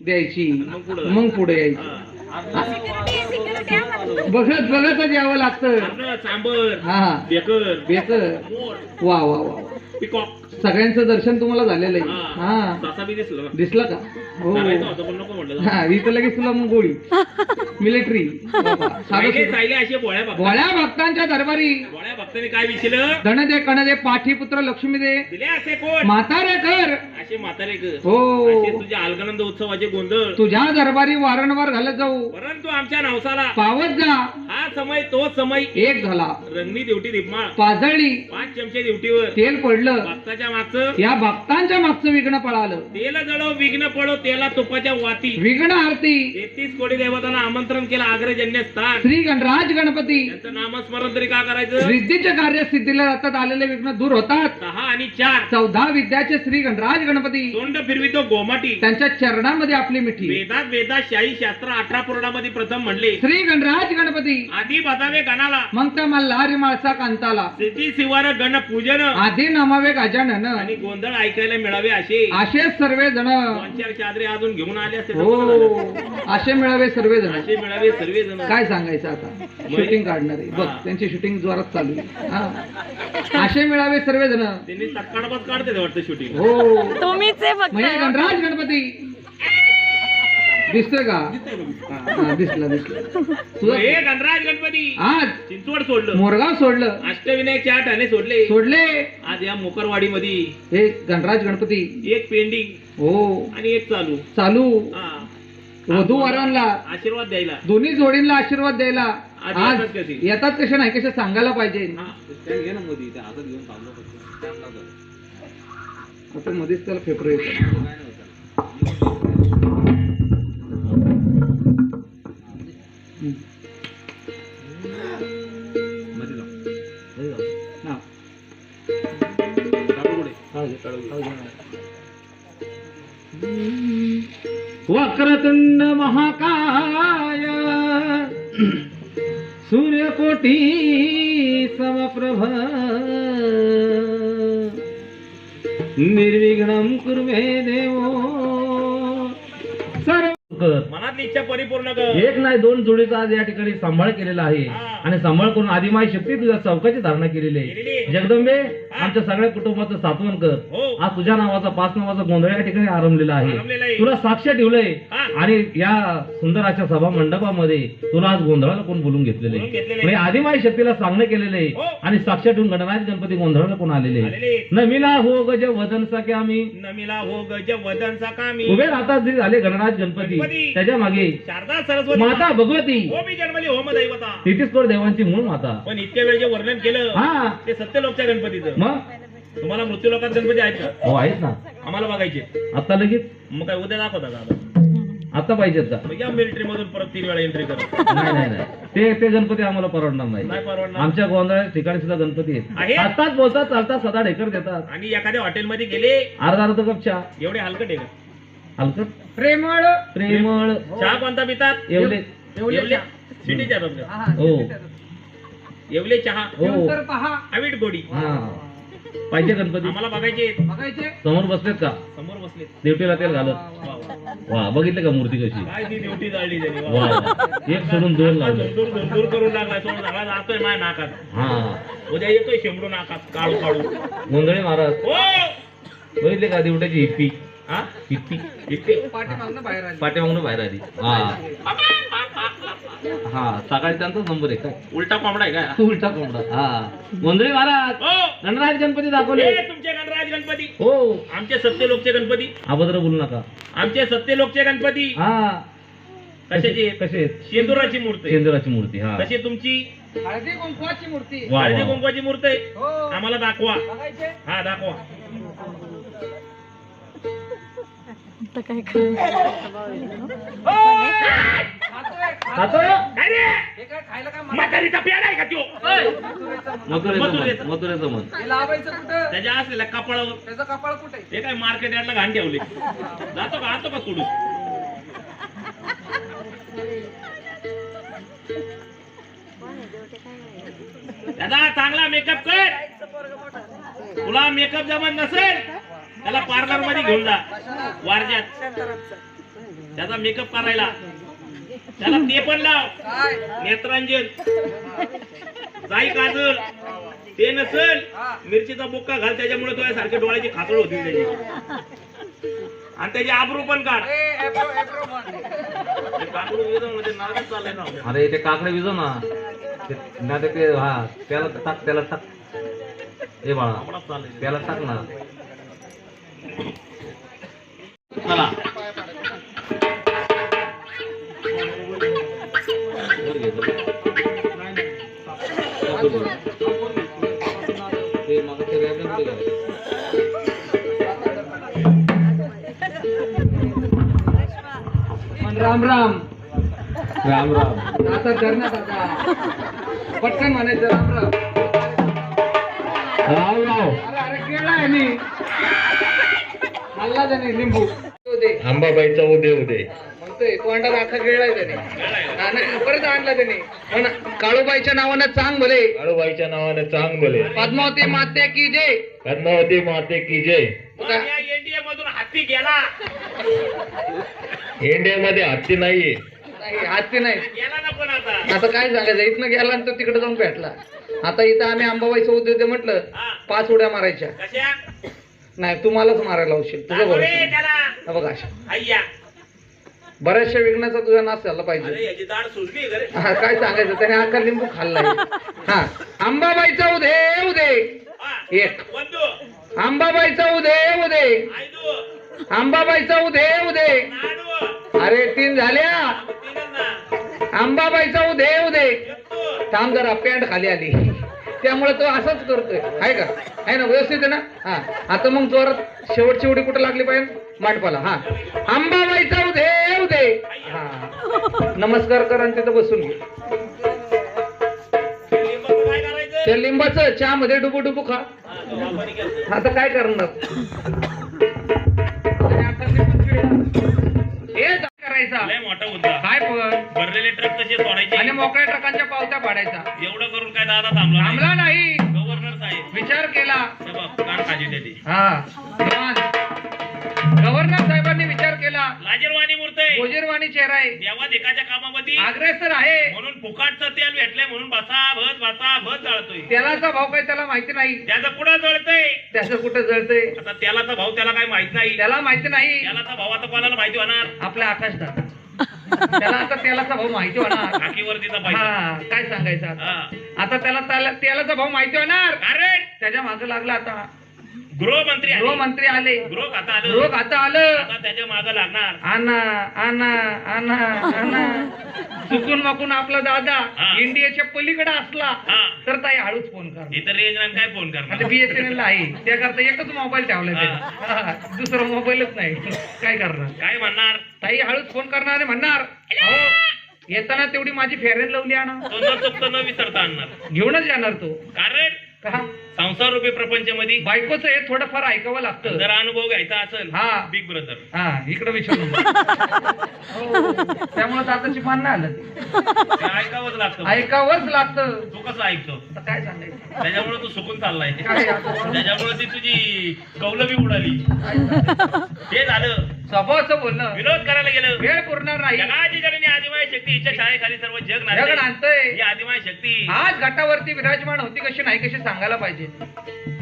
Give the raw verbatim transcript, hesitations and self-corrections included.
द्यायची मग पुढे यायची. बघत बघतच यावं लागतं. सांबर, हा बेकर, बेकर. वा वा वा. पिकॉक सगळ्यांचं दर्शन तुम्हाला झालेलं आहे. हा तसा बी दिसलं दिसला का? हो नको म्हटलं. हा इथं लगेच तुला मग गोळी मिलिटरी. सायले असे भोळ्या भक्त भोळ्या भक्तांच्या दरबारी भोळ्या भक्तांनी काय विचारलं? धन दे कण दे पाठीपुत्र लक्ष्मी दे दिले असे कोण? म्हातारे कर असे म्हातारे कर. हो असे तुझ्या अलगनंद उत्सवाचे गोंधळ तुझ्या दरबारी वारंवार घालत जाऊ. परंतु आमच्या नवसाला पावत जा. हा समय तो समय एक झाला रंगणी देवटी दीपमाळ पाजळली पाच चमचे देवटीवर तेल पडलं. भक्ताच्या मागचं या भक्तांच्या मागचं विघ्न पळालं. तेल जळव विघ्न पडो तेला तुपाच्या वाती. विघ्न आरती तेहतीस कोटी देवतांना आमंत्रण केलं आग्रजन्य स्थान. श्री गणराज गणपती त्यांचं नामस्मरण तरी का करायचं? रिद्धीच्या कार्य सिद्धीला जातात आलेले विघ्न दूर होतात. सहा आणि चार चौदा विद्याचे श्री गणराज गणपती तोंड फिरवितो गोमाटी. त्यांच्या चरणामध्ये आपली मिठी. वेदात वेदात शाही शास्त्र अठरा पुराणामध्ये प्रथम म्हणले श्री गणराज गणपती आधी बजावे गणाला मग त्या मल्हारी माळसा कांताला. सिद्धी शिवार गण पूजन आधी नमावे गजानन आणि गोंधळ ऐकायला मिळावे असे असे सर्व जण दोन चार चादरे अजून घेऊन आले असते. हो असे मिळावे सर्व जण. असे मिळावे सर्व जण. काय सांगायचं आता शूटिंग काढणारे बघ त्यांची शूटिंग जोरात चालू आहे. हा. असे मिळावे सर्व जण. त्यांनी तत्काळात काढते वाटतं शूटिंग. हो तुम्हीच आहे फक्त. म्हणजे गणराज गणपती दिसतोय का? हा, दिसला दिसला तुझं हे गणराज गणपती आज चिंचवड सोडलं मोरगाव सोडलं अष्टविनायक चार ठाणे सोडले सोडले. आज या मोकरवाडी मध्ये हे गणराज गणपती एक पेंडिंग हो आणि एक चालू चालू. हा. वधू वरांना आशीर्वाद द्यायला दोन्ही जोडींना आशीर्वाद द्यायला आज आज येतात कधी? येतात कशा नाही कशा सांगायला पाहिजे. हा. आता मध्येच त्याला फेफर येतात. वक्रतुंड महाकाय सूर्यकोटी समप्रभ निर्विघ्नं कुर्मे देवो सर्व. मनातली इच्छा परिपूर्ण कर. एक नाही दोन जोडीचा आज या ठिकाणी सांभाळ केलेला आहे आणि सांभाळ करून आदिमाय शक्ती तुझ्या चौकाची धारणा केलेली आहे. जगदंबे आमच्या सगळ्या कुटुंबाचं सात्वन कर. आज तुझ्या नावाचा पाच नावाचा गोंधळ या ठिकाणी आरंभलेला आहे. तुला साक्ष ठेवलंय आणि या सुंदर अशा सभा मंडपामध्ये तुला आज गोंधळाला कोण बोलून घेतलेले म्हणजे आदिमाय शक्तीला सांगणं केलेलं आहे आणि साक्ष ठेवून गणराज गणपती गोंधळाला कोण आलेले आहे. नमिला हो गज वदन सके आम्ही नमिला हो गज वदन सकामी उभे राहतात जे झाले गणराज गणपती त्याच्या मागे शारदा सरस्वती माता भगवती हो मी जन्मली होम दैवता तेहतीस करोड देवांची मूळ माता. पण इतक्या वेळ जे वर्णन केलं हा ते सत्यलोकच्या गणपतीचं. मग तुम्हाला मृत्यू लोकात गणपती आहेत का? हो आहेत ना आम्हाला बघायचे. आता लगेच मग काय उद्या दाखवता का आता? आता पाहिजेत का? मग या मिलिटरी मधून परत तीन वेळा एंट्री करा. नाही नाही नाही ते ते गणपती आम्हाला परवडणार नाही. नाही परवडणार. आमच्या गोंधळाच्या ठिकाणी सुद्धा गणपती आहे? आहेत. असतात बोलतात चालतात सदा ढेकर देतात. आणि एखाद्या हॉटेलमध्ये गेले अर्धा अर्धा कप चहा एवढे हलकट आहे का? हलकट प्रेमळ प्रेमळ चहा कोणता पितात? एवढे येवले सिटी चहा आपल्या. हो येवले चहा हो अवीट गोडी. हा पाहिजे गणपती आम्हाला बघायचे. बघायचे समोर बसलेत का? समोर बसले. देवटीला तेल घालत. वा बघितलं का मूर्ती कशी? काय ती ड्युटी जाळली त्यांनी. वा वा. एक सोडून दोन लावले. दूर दूर दूर करून लागला. सोड झाला जातोय माझ्या नाकात. हा उद्या येतोय शेंबडू नाकात काढू काढू. गोंधळे महाराज हो बघितले का देवट्याची हिप्पी? हा हिप्पी इथे पाठीमागून बाहेर आली. हा हा सकाळी त्यांचाच नंबर आहे काय? उलटा कोंबडा आहे काय? उलटा कोंबडा. हा गोंधळे महाराज हो गणराज गणपती दाखवले. हे तुमचे गणराज गणपती. हो आमचे सत्यलोकचे गणपती. अभद्र बोलू नका. आमचे सत्यलोकचे गणपती. हा कशाची? कसे शेंदुराची मूर्ती. शेंदुराची मूर्ती. हा कशी तुमची? हळदी कुंकवाची मूर्ती. हळदी कुंकवाची मूर्ती आहे. आम्हाला दाखवा. हा दाखवा. आता काय करू? काय रे? म्हातारीचा पेड आहे का त्यो? मथुरेचं मथुरेचं मन त्याच्या असलेल्या कपाळावर. त्याचं कपाळ कुठे? हे काय मार्केट यार्डला घाण ठेवले. जातो का? आणतो का सोडून? दादा चांगला मेकअप कर. तुला मेकअप जमत नसेल त्याला पार्लर मध्ये घेऊन जा वारज्यात. त्याचा मेकअप करायला त्याला ते पण लाव नेत्रांजन जाई काजल ते नसल मिरचीचा बुक्का घाल त्याच्यामुळे तुझ्या सारखे डोळ्याची खातळ होती त्याची आणि त्याची आबरू पण काढ काकडू विजव म्हणजे नारळच चाललंय ना अरे ते काकडे विजव ना ते- ना ते ते- हा त्याला टाक त्याला टाक हे बाळा आपलाच चाललंय त्याला टाक ना चला वर घे जरा. ते मग ते रॅपला कुठे गेलं? राम राम राम राम आता करण्यात आता पटकन म्हणायचं राम राम राम राम अरे अरे केळा आहे मी खाल्ला त्याने लिंबू दे अंबाबाईचा उदय उदय म्हणतोय तोंडात आखा गिळलाय त्याने हा, नाही, परत आणला त्याने पण काळूबाईच्या नावानं चांग भले काळूबाईच्या नावाने चांग बोले पद्मावती मात्या की जय पद्मावती माते की जय मग या एनडीए मधून हाती गेला इंडियामध्ये हत्ती नाहीये नाही हाती नाही गेला ना पण आता आता काय सांगायचं इथनं गेला आणि तो तिकडे जाऊन भेटला आता इथं आम्ही अंबाबाईचं उद्योग म्हटलं हा. पाच उड्या मारायच्या कशा नाही तुम्हालाच मारायला लावशील तुझं दाखव रे बरोबर त्याला बघा अशा अय्या बऱ्याचशा विघ्नाचा तुझा नाश झाला अरे पाहिजे याची दाढ सुजली का रे हा काय सांगायचं त्याने आका लिंबू खाल्लाय हा अंबाबाईचा उदे उदे हा. एक बंधू अंबाबाईचा उदे उदे आयदू अंबाबाईचा उदे उदे नाडू अरे तीन झाल्या तीनच ना अंबाबाईचा उदे उदे एकटू थांब जरा पॅन्ट खाली आली त्यामुळे तो असंच करतोय आहे का आहे ना व्यवस्थित आहे ना हा आता मग जोरात शेवटची उडी कुठं लागली पाहिजे मांडपाला हा अंबाबाईचा उदे उदे हा नमस्कार कर आणि तिथं बसून घे लिंबाचं काय करायचं त्या लिंबाचं चहा मध्ये डुबू डुबू खा हा, तो वापारी केलतं. आता काय करणार हे काय करायचा लय मोठा मुद्दा काय पण भरलेले ट्रक कसे सोडायचे आणि मोकळ्या ट्रकांच्या पावत्या पाडायचा एवढं करून काय दादा थांबला नाही. थांबला नाही गव्हर्नर साहेब विचार केला हे बघ कान खाजी त्याची हा गव्हर्नर साहेबांनी विचार केला लाजीरवाणी मूर्त आहे गोजीरवाणी चेहरा आहे देवा देखाच्या कामामध्ये अग्रेसर आहे म्हणून फुकाटचं तेल भेटलंय म्हणून बसा भस बसा भस जळतोय तेलाचा भाव काही त्याला माहिती नाही त्याचं कुठं जळतंय त्याचं कुठं जळतंय आता तेलाचा भाव त्याला काय माहित नाही त्याला माहिती नाही तेलाचा भाव आता कोणाला माहिती होणार आपल्या आकाशदार त्याला आता तेलाचा भाव माहिती होणार टाकीवरतीचा पैसा हा काय सांगायचं आता हा. आता त्याला त्याला- तेलाचा भाव माहिती होणार कारण त्याच्या मागे लागला आता गृहमंत्री आले. गृहमंत्री आले गृह खाता आलं गृह आता आलं आता त्याच्या मागे लागणार आणा आणा आणा आणा चुकून माकून आपला दादा हा. इंडियाच्या पलीकडे असला हा तर ताई हळूच फोन कर इथं रेंज नाही काय फोन आता करणार बीएसएनएल ला आहे त्याकरता एकच मोबाईल ठेवलाय त्याने. हा, दुसरा मोबाईलच नाही काय करणार काय म्हणणार ताई हळूच फोन करणार आणि म्हणणार अहो येताना तेवढी माझी फेरेन लावली आणा तो न चुकता न विसरता आणणार घेऊनच येणार तो कारण का संसार रूपी प्रपंचामध्ये बायकोचं हे थोडंफार ऐकावं लागतं जर अनुभव घ्यायचा असेल हा. बिग ब्रदर हा इकडे विचारू त्यामुळे आताची मान नाही आलं ते. ते ऐकावंच लागतं ऐकावंच लागतं तू कसं ऐकतो आता काय सांगायचं त्याच्यामुळे तू सुकून चाललाय काय आता? त्याच्यामुळे ती तुझी कौलबी उडाली ते झालं स्वभावाचं बोलणं विनोद करायला गेलं वेळ पुरणार नाही जगाची जननी आदिमाय शक्ती हिच्या छायेखाली सर्व जग जग नांदते. आणतंय ही आदिमाय शक्ती आज घाटावरती विराजमान होती कशी नाही कशी सांगायला पाहिजे